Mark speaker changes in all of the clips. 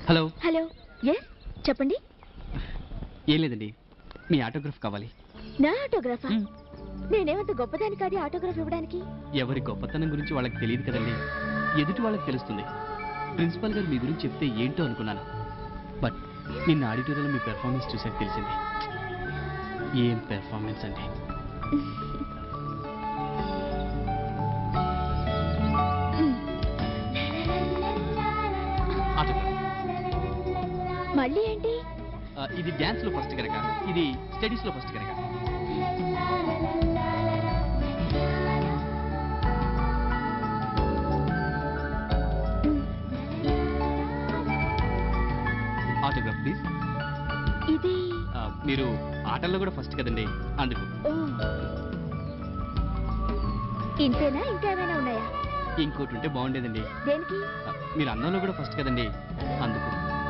Speaker 1: Hello
Speaker 2: hello yes చెప్పండి.
Speaker 1: ఏం లేదండి, మీ ఆటోగ్రాఫ్ కావాలి.
Speaker 2: నా ఆటోగ్రాఫా? నేనేమంత గొప్పదాని కాదు ఆటోగ్రాఫ్ ఇవ్వడానికి.
Speaker 1: ఎవరి గొప్పతనం గురించి వాళ్ళకి తెలియదు కదండి, ఎదుటి వాళ్ళకి తెలుస్తుంది. ప్రిన్సిపల్ గారు మీ గురించి చెప్తే ఏంటో అనుకున్నాను, బట్ నిన్న ఆడిటోరియంలో మీ పెర్ఫార్మెన్స్ చూసాక తెలిసింది. ఏం పెర్ఫార్మెన్స్ అండి.
Speaker 2: మళ్ళీ ఏంటి?
Speaker 1: ఇది డ్యాన్స్ లో ఫస్ట్ కనుక, ఇది స్టడీస్ లో ఫస్ట్ కనుక. Autograph please.
Speaker 2: ఇది
Speaker 1: మీరు ఆటల్లో కూడా ఫస్ట్ కదండి, అందుకు.
Speaker 2: ఇంతేనా ఇంకా ఏమైనా ఉన్నాయా?
Speaker 1: ఇంకోటి ఉంటే బాగుండేదండి.
Speaker 2: దేనికి?
Speaker 1: మీరు అన్నంలో కూడా ఫస్ట్ కదండి, అందుకు.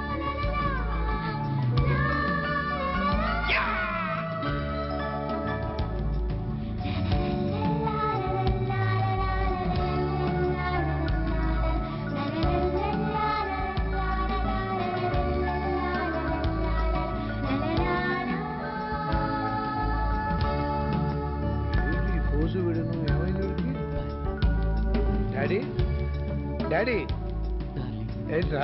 Speaker 3: డాడీ డాడీ ఏంట్రా?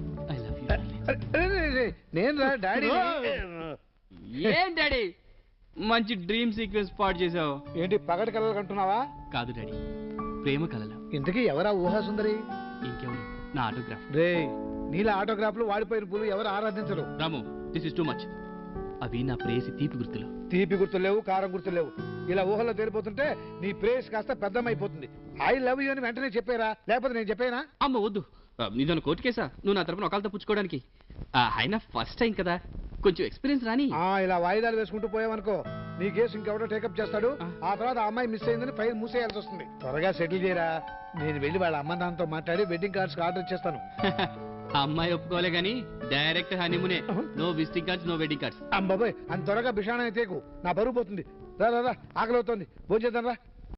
Speaker 3: నేను రా డాడీ.
Speaker 1: ఏం డాడీ మంచి డ్రీమ్ సీక్వెన్స్ పాడు చేసావు.
Speaker 3: ఏంటి పగటి కలలు కంటున్నావా?
Speaker 1: కాదు డాడీ, ప్రేమ కలలు.
Speaker 3: ఇంతకీ ఎవరా ఊహా సుందరి?
Speaker 1: ఇంకెవరు, నా ఆటోగ్రాఫ్.
Speaker 3: రే నీళ్ళ ఆటోగ్రాఫ్లు వాడిపోయిన పూలు ఎవరు ఆరాధించరు.
Speaker 1: Ramu, this is too much. అవి నా ప్రేయసి తీపి గుర్తులు.
Speaker 3: తీపి గుర్తులు లేవు, కారం గుర్తులు లేవు. ఇలా ఊహల్లో తేలిపోతుంటే నీ ప్రేయస్ కాస్త పెద్దమైపోతుంది. ఐ లవ్ యూ అని వెంటనే చెప్పారా, లేకపోతే నేను చెప్పానా?
Speaker 1: అమ్మ వద్దు, నీదన్న కోర్టు కేసా? నువ్వు నా తరపున ఒకళ్ళతో పుచ్చుకోవడానికి. అయినా ఫస్ట్ టైం కదా, కొంచెం ఎక్స్పీరియన్స్ రాని.
Speaker 3: ఇలా వాయిదాలు వేసుకుంటూ పోయావనుకో, నీ కేసు ఇంకెవడో టేకప్ చేస్తాడు. ఆ తర్వాత ఆ అమ్మాయి మిస్ అయిందని ఫైల్ మూసేయాల్సి వస్తుంది. త్వరగా సెటిల్ చేయరా. నేను వెళ్ళి వాళ్ళ అమ్మ నాన్నతో మాట్లాడి వెడ్డింగ్ కార్డ్స్ ఆర్డర్ ఇచ్చేస్తాను.
Speaker 1: అమ్మాయి ఒప్పుకోలే గానీ డైరెక్ట్ హనీమూనే. No visiting cards, no wedding cards.
Speaker 3: అమ్మాయి అంత త్వరగా బిషాణ అయితే నా బరువు పోతుంది. రా రా రా, ఆకలి అవుతుంది, భోజనం చేద్దాం రా.